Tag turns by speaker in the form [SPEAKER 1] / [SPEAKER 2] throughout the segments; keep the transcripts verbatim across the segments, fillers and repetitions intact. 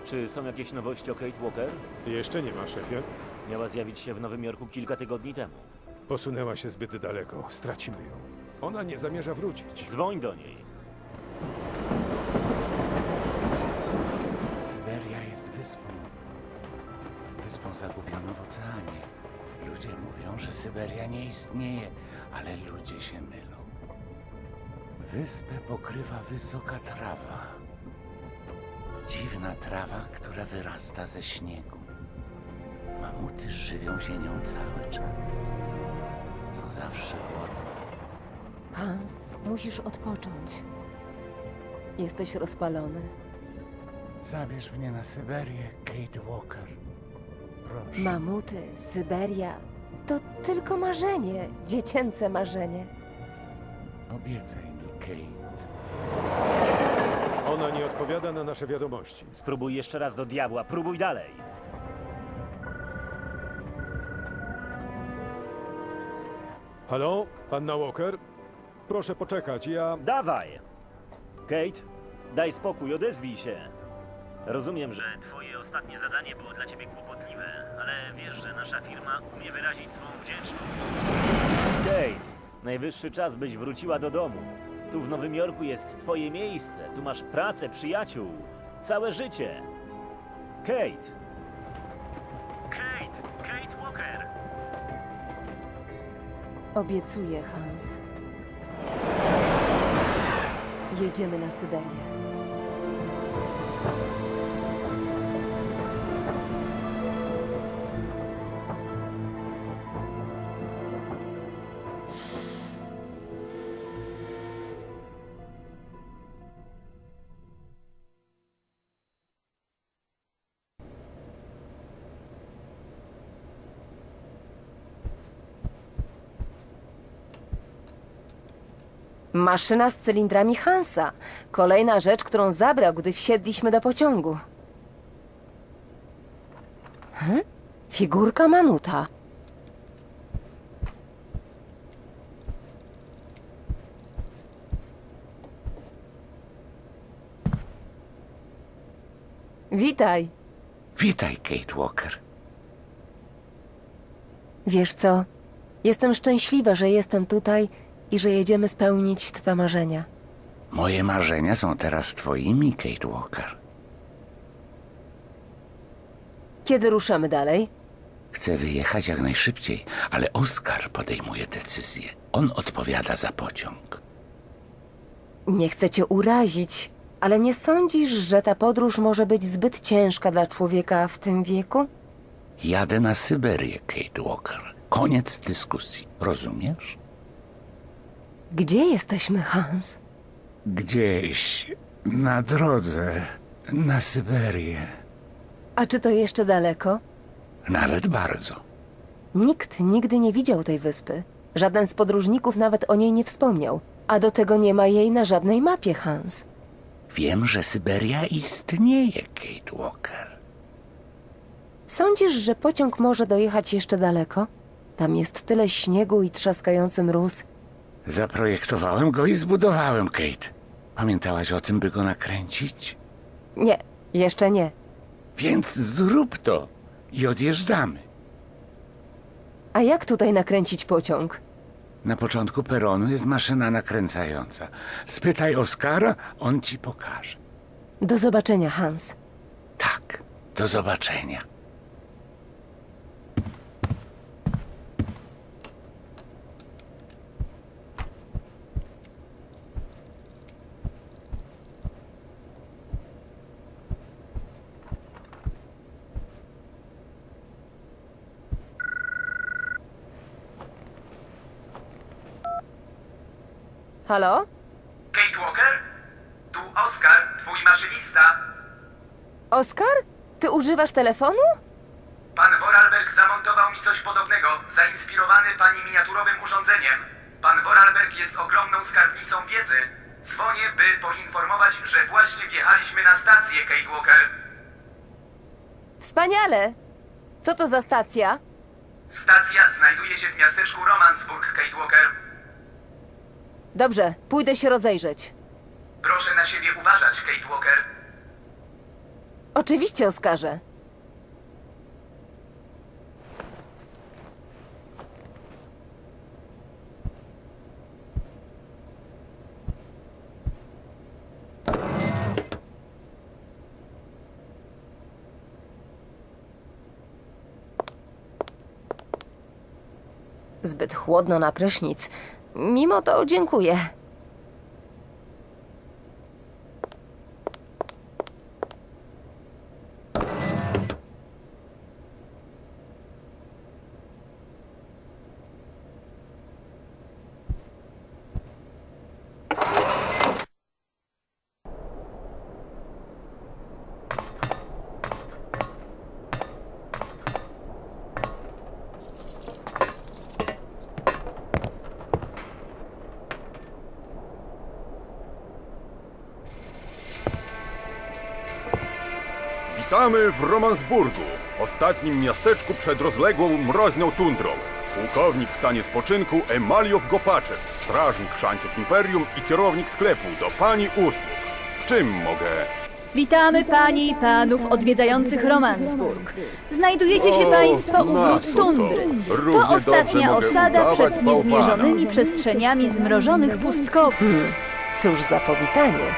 [SPEAKER 1] Czy są jakieś nowości o Kate Walker?
[SPEAKER 2] Jeszcze nie ma, szefie.
[SPEAKER 1] Miała zjawić się w Nowym Jorku kilka tygodni temu.
[SPEAKER 2] Posunęła się zbyt daleko. Stracimy ją. Ona nie zamierza wrócić.
[SPEAKER 1] Dzwoń do niej.
[SPEAKER 3] Syberia jest wyspą. Wyspą zagubioną w oceanie. Ludzie mówią, że Syberia nie istnieje, ale ludzie się mylą. Wyspę pokrywa wysoka trawa. Dziwna trawa, która wyrasta ze śniegu. Mamuty żywią się nią cały czas. Są zawsze głodne.
[SPEAKER 4] Hans, musisz odpocząć. Jesteś rozpalony.
[SPEAKER 3] Zabierz mnie na Syberię, Kate Walker. Proszę.
[SPEAKER 4] Mamuty, Syberia to tylko marzenie, dziecięce marzenie.
[SPEAKER 3] Obiecaj mi, Kate.
[SPEAKER 2] Ona nie odpowiada na nasze wiadomości.
[SPEAKER 1] Spróbuj jeszcze raz do diabła, próbuj dalej.
[SPEAKER 2] Halo? Panna Walker? Proszę poczekać, ja...
[SPEAKER 1] Dawaj! Kate, daj spokój, odezwij się. Rozumiem, że twoje ostatnie zadanie było dla ciebie kłopotliwe, ale wiesz, że nasza firma umie wyrazić swą wdzięczność. Kate, najwyższy czas, byś wróciła do domu. Tu w Nowym Jorku jest twoje miejsce, tu masz pracę, przyjaciół, całe życie. Kate! Kate! Kate Walker!
[SPEAKER 4] Obiecuję, Hans. Jedziemy na Syberię. Maszyna z cylindrami Hansa. Kolejna rzecz, którą zabrał, gdy wsiedliśmy do pociągu. Hm? Figurka mamuta. Witaj.
[SPEAKER 3] Witaj, Kate Walker.
[SPEAKER 4] Wiesz co? Jestem szczęśliwa, że jestem tutaj i że jedziemy spełnić twe marzenia.
[SPEAKER 3] Moje marzenia są teraz twoimi, Kate Walker.
[SPEAKER 4] Kiedy ruszamy dalej?
[SPEAKER 3] Chcę wyjechać jak najszybciej, ale Oskar podejmuje decyzję. On odpowiada za pociąg.
[SPEAKER 4] Nie chcę cię urazić, ale nie sądzisz, że ta podróż może być zbyt ciężka dla człowieka w tym wieku?
[SPEAKER 3] Jadę na Syberię, Kate Walker. Koniec dyskusji. Rozumiesz?
[SPEAKER 4] Gdzie jesteśmy, Hans?
[SPEAKER 3] Gdzieś na drodze na Syberię.
[SPEAKER 4] A czy to jeszcze daleko?
[SPEAKER 3] Nawet bardzo.
[SPEAKER 4] Nikt nigdy nie widział tej wyspy. Żaden z podróżników nawet o niej nie wspomniał. A do tego nie ma jej na żadnej mapie, Hans.
[SPEAKER 3] Wiem, że Syberia istnieje, Kate Walker.
[SPEAKER 4] Sądzisz, że pociąg może dojechać jeszcze daleko? Tam jest tyle śniegu i trzaskający mróz.
[SPEAKER 3] Zaprojektowałem go i zbudowałem, Kate. Pamiętałaś o tym, by go nakręcić?
[SPEAKER 4] Nie, jeszcze nie.
[SPEAKER 3] Więc zrób to i odjeżdżamy.
[SPEAKER 4] A jak tutaj nakręcić pociąg?
[SPEAKER 3] Na początku peronu jest maszyna nakręcająca. Spytaj Oskara, on ci pokaże.
[SPEAKER 4] Do zobaczenia, Hans.
[SPEAKER 3] Tak, do zobaczenia.
[SPEAKER 4] Halo?
[SPEAKER 5] Kate Walker? Tu Oskar, twój maszynista.
[SPEAKER 4] Oskar? Ty używasz telefonu?
[SPEAKER 5] Pan Vorarlberg zamontował mi coś podobnego, zainspirowany pani miniaturowym urządzeniem. Pan Vorarlberg jest ogromną skarbnicą wiedzy. Dzwonię, by poinformować, że właśnie wjechaliśmy na stację, Kate Walker.
[SPEAKER 4] Wspaniale! Co to za stacja?
[SPEAKER 5] Stacja znajduje się w miasteczku Romansburg, Kate Walker.
[SPEAKER 4] Dobrze, pójdę się rozejrzeć.
[SPEAKER 5] Proszę na siebie uważać, Kate Walker.
[SPEAKER 4] Oczywiście, Oskarze. Zbyt chłodno na prysznic. Mimo to dziękuję.
[SPEAKER 2] Witamy w Romansburgu, ostatnim miasteczku przed rozległą mroźną tundrą. Pułkownik w stanie spoczynku Emaliow Gopaczek, strażnik szańców Imperium i kierownik sklepu do pani usług. W czym mogę...
[SPEAKER 6] Witamy panie i panów odwiedzających Romansburg. Znajdujecie się
[SPEAKER 2] O,
[SPEAKER 6] państwo u
[SPEAKER 2] na
[SPEAKER 6] wrót
[SPEAKER 2] co to?
[SPEAKER 6] tundry.
[SPEAKER 2] Równie
[SPEAKER 6] To
[SPEAKER 2] dobrze
[SPEAKER 6] ostatnia
[SPEAKER 2] mogę
[SPEAKER 6] osada
[SPEAKER 2] udawać
[SPEAKER 6] przed
[SPEAKER 2] bałwana.
[SPEAKER 6] niezmierzonymi przestrzeniami zmrożonych pustkowisk.
[SPEAKER 4] Hmm, cóż za powitanie.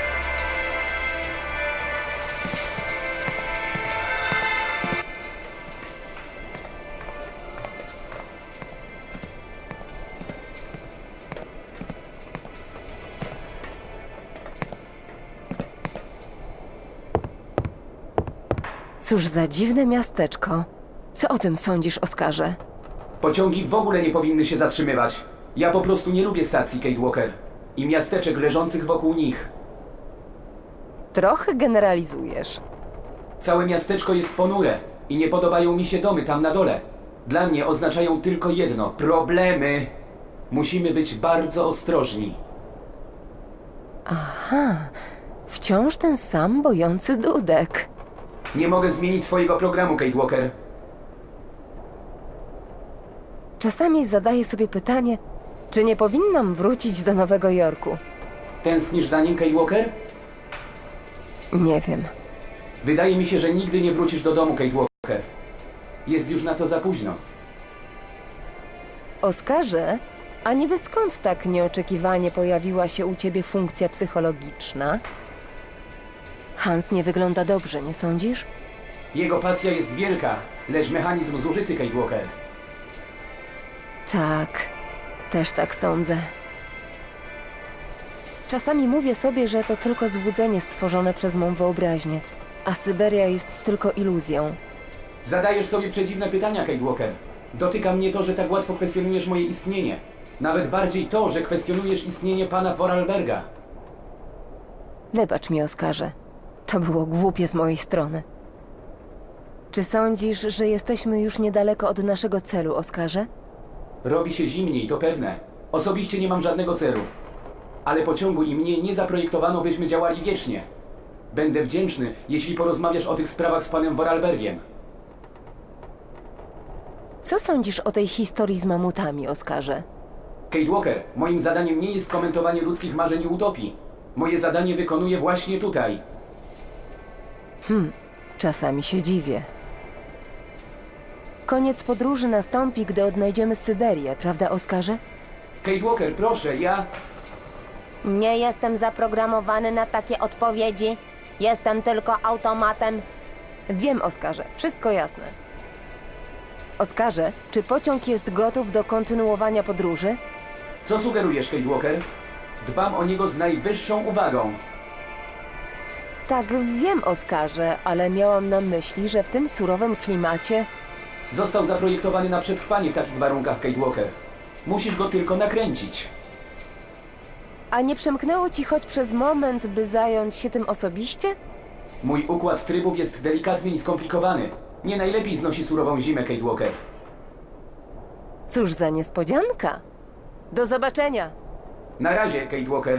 [SPEAKER 4] Cóż za dziwne miasteczko. Co o tym sądzisz, Oskarze?
[SPEAKER 5] Pociągi w ogóle nie powinny się zatrzymywać. Ja po prostu nie lubię stacji Kate Walker i miasteczek leżących wokół nich.
[SPEAKER 4] Trochę generalizujesz.
[SPEAKER 5] Całe miasteczko jest ponure i nie podobają mi się domy tam na dole. Dla mnie oznaczają tylko jedno – problemy. Musimy być bardzo ostrożni.
[SPEAKER 4] Aha, wciąż ten sam bojący dudek.
[SPEAKER 5] Nie mogę zmienić swojego programu, Kate Walker.
[SPEAKER 4] Czasami zadaję sobie pytanie, czy nie powinnam wrócić do Nowego Jorku.
[SPEAKER 5] Tęsknisz za nim, Kate Walker?
[SPEAKER 4] Nie wiem.
[SPEAKER 5] Wydaje mi się, że nigdy nie wrócisz do domu, Kate Walker. Jest już na to za późno.
[SPEAKER 4] Oskarze, a niby skąd tak nieoczekiwanie pojawiła się u ciebie funkcja psychologiczna? Hans nie wygląda dobrze, nie sądzisz?
[SPEAKER 5] Jego pasja jest wielka, lecz mechanizm zużyty, Kate Walker.
[SPEAKER 4] Tak, też tak sądzę. Czasami mówię sobie, że to tylko złudzenie stworzone przez mą wyobraźnię, a Syberia jest tylko iluzją.
[SPEAKER 5] Zadajesz sobie przedziwne pytania, Kate Walker. Dotyka mnie to, że tak łatwo kwestionujesz moje istnienie. Nawet bardziej to, że kwestionujesz istnienie pana Vorarlberga.
[SPEAKER 4] Wybacz mi, Oskarze. To było głupie z mojej strony. Czy sądzisz, że jesteśmy już niedaleko od naszego celu, Oskarze?
[SPEAKER 5] Robi się zimniej, to pewne. Osobiście nie mam żadnego celu. Ale pociągu i mnie nie zaprojektowano, byśmy działali wiecznie. Będę wdzięczny, jeśli porozmawiasz o tych sprawach z panem Vorarlbergiem.
[SPEAKER 4] Co sądzisz o tej historii z mamutami, Oskarze?
[SPEAKER 5] Kate Walker, moim zadaniem nie jest komentowanie ludzkich marzeń i utopii. Moje zadanie wykonuję właśnie tutaj.
[SPEAKER 4] Hmm, czasami się dziwię. Koniec podróży nastąpi, gdy odnajdziemy Syberię, prawda, Oskarze?
[SPEAKER 5] Kate Walker, proszę, ja...
[SPEAKER 4] Nie jestem zaprogramowany na takie odpowiedzi. Jestem tylko automatem. Wiem, Oskarze, wszystko jasne. Oskarze, czy pociąg jest gotów do kontynuowania podróży?
[SPEAKER 5] Co sugerujesz, Kate Walker? Dbam o niego z najwyższą uwagą.
[SPEAKER 4] Tak, wiem, Oskarze, ale miałam na myśli, że w tym surowym klimacie...
[SPEAKER 5] Został zaprojektowany na przetrwanie w takich warunkach, Kate Walker. Musisz go tylko nakręcić.
[SPEAKER 4] A nie przemknęło ci choć przez moment, by zająć się tym osobiście?
[SPEAKER 5] Mój układ trybów jest delikatny i skomplikowany. Nie najlepiej znosi surową zimę, Kate Walker.
[SPEAKER 4] Cóż za niespodzianka. Do zobaczenia.
[SPEAKER 5] Na razie, Kate Walker.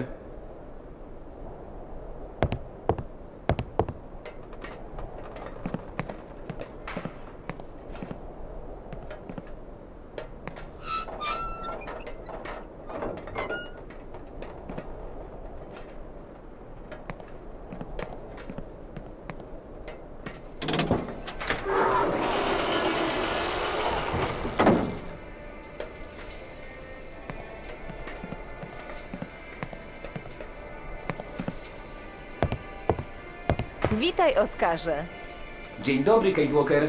[SPEAKER 4] Witaj, Oskarze.
[SPEAKER 7] Dzień dobry, Kate Walker.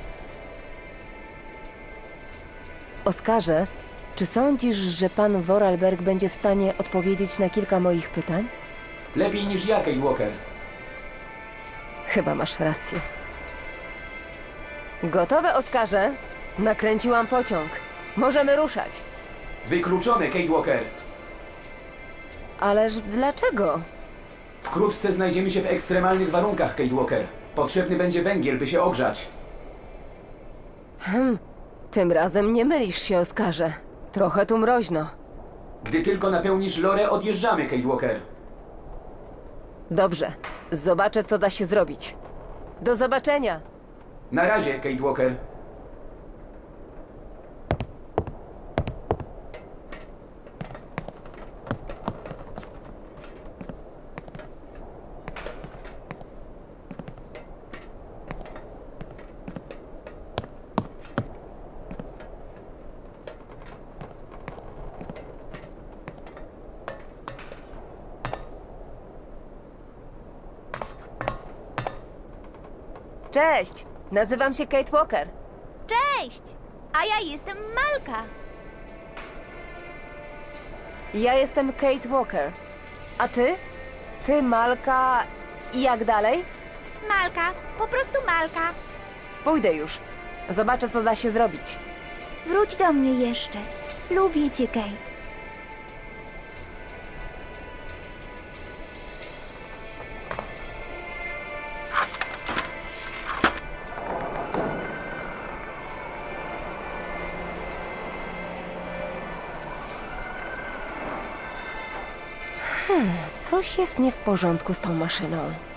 [SPEAKER 4] Oskarze, czy sądzisz, że pan Vorarlberg będzie w stanie odpowiedzieć na kilka moich pytań?
[SPEAKER 7] Lepiej niż ja, Kate Walker.
[SPEAKER 4] Chyba masz rację. Gotowe, Oskarze? Nakręciłam pociąg. Możemy ruszać.
[SPEAKER 7] Wykluczone, Kate Walker.
[SPEAKER 4] Ależ dlaczego?
[SPEAKER 7] Wkrótce znajdziemy się w ekstremalnych warunkach, Kate Walker. Potrzebny będzie węgiel, by się ogrzać.
[SPEAKER 4] Tym razem nie mylisz się, Oskarze. Trochę tu mroźno.
[SPEAKER 7] Gdy tylko napełnisz lorę, odjeżdżamy, Kate Walker.
[SPEAKER 4] Dobrze. Zobaczę, co da się zrobić. Do zobaczenia.
[SPEAKER 7] Na razie, Kate Walker.
[SPEAKER 4] Cześć. Nazywam się Kate Walker.
[SPEAKER 8] Cześć! A ja jestem Malka.
[SPEAKER 4] Ja jestem Kate Walker. A ty? Ty, Malka... I jak dalej?
[SPEAKER 8] Malka, po prostu Malka.
[SPEAKER 4] Pójdę już. Zobaczę, co da się zrobić.
[SPEAKER 8] Wróć do mnie jeszcze. Lubię cię, Kate.
[SPEAKER 4] Coś jest nie w porządku z tą maszyną.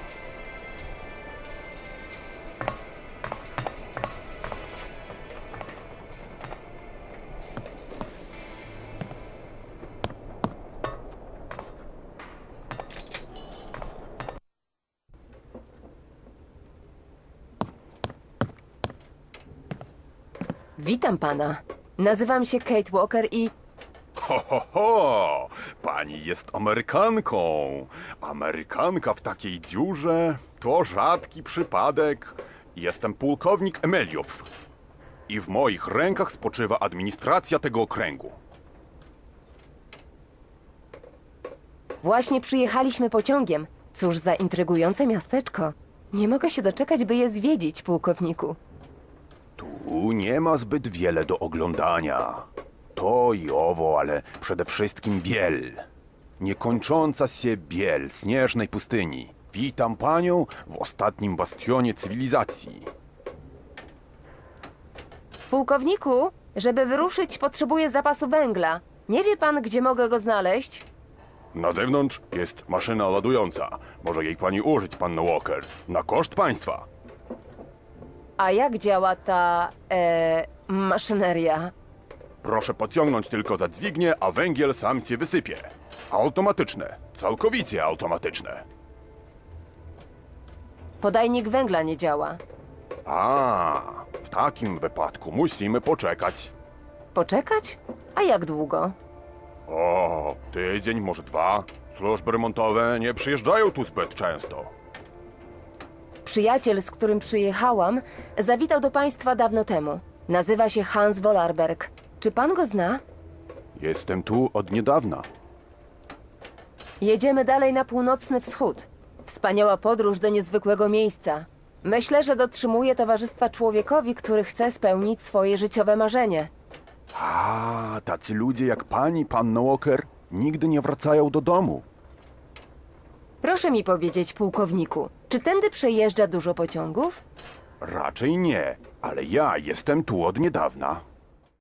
[SPEAKER 4] Witam pana. Nazywam się Kate Walker i...
[SPEAKER 2] Ho, ho, ho! Pani jest Amerykanką. Amerykanka w takiej dziurze to rzadki przypadek. Jestem pułkownik Emeliow. I w moich rękach spoczywa administracja tego okręgu.
[SPEAKER 4] Właśnie przyjechaliśmy pociągiem. Cóż za intrygujące miasteczko. Nie mogę się doczekać, by je zwiedzić, pułkowniku.
[SPEAKER 2] Tu nie ma zbyt wiele do oglądania. To i owo, ale przede wszystkim biel. Niekończąca się biel śnieżnej pustyni. Witam panią w ostatnim bastionie cywilizacji.
[SPEAKER 4] Pułkowniku, żeby wyruszyć, potrzebuję zapasu węgla. Nie wie pan, gdzie mogę go znaleźć?
[SPEAKER 2] Na zewnątrz jest maszyna ładująca. Może jej pani użyć, panno Walker. Na koszt państwa.
[SPEAKER 4] A jak działa ta... E, maszyneria?
[SPEAKER 2] Proszę pociągnąć tylko za dźwignię, a węgiel sam się wysypie. Automatyczne. Całkowicie automatyczne.
[SPEAKER 4] Podajnik węgla nie działa.
[SPEAKER 2] A, w takim wypadku musimy poczekać.
[SPEAKER 4] Poczekać? A jak długo?
[SPEAKER 2] O, tydzień, może dwa. Służby remontowe nie przyjeżdżają tu zbyt często.
[SPEAKER 4] Przyjaciel, z którym przyjechałam, zawitał do państwa dawno temu. Nazywa się Hans Vorarlberg. Czy pan go zna?
[SPEAKER 2] Jestem tu od niedawna.
[SPEAKER 4] Jedziemy dalej na północny wschód. Wspaniała podróż do niezwykłego miejsca. Myślę, że dotrzymuje towarzystwa człowiekowi, który chce spełnić swoje życiowe marzenie.
[SPEAKER 2] A, tacy ludzie jak pani, panno Walker, nigdy nie wracają do domu.
[SPEAKER 4] Proszę mi powiedzieć, pułkowniku, czy tędy przejeżdża dużo pociągów?
[SPEAKER 2] Raczej nie, ale ja jestem tu od niedawna.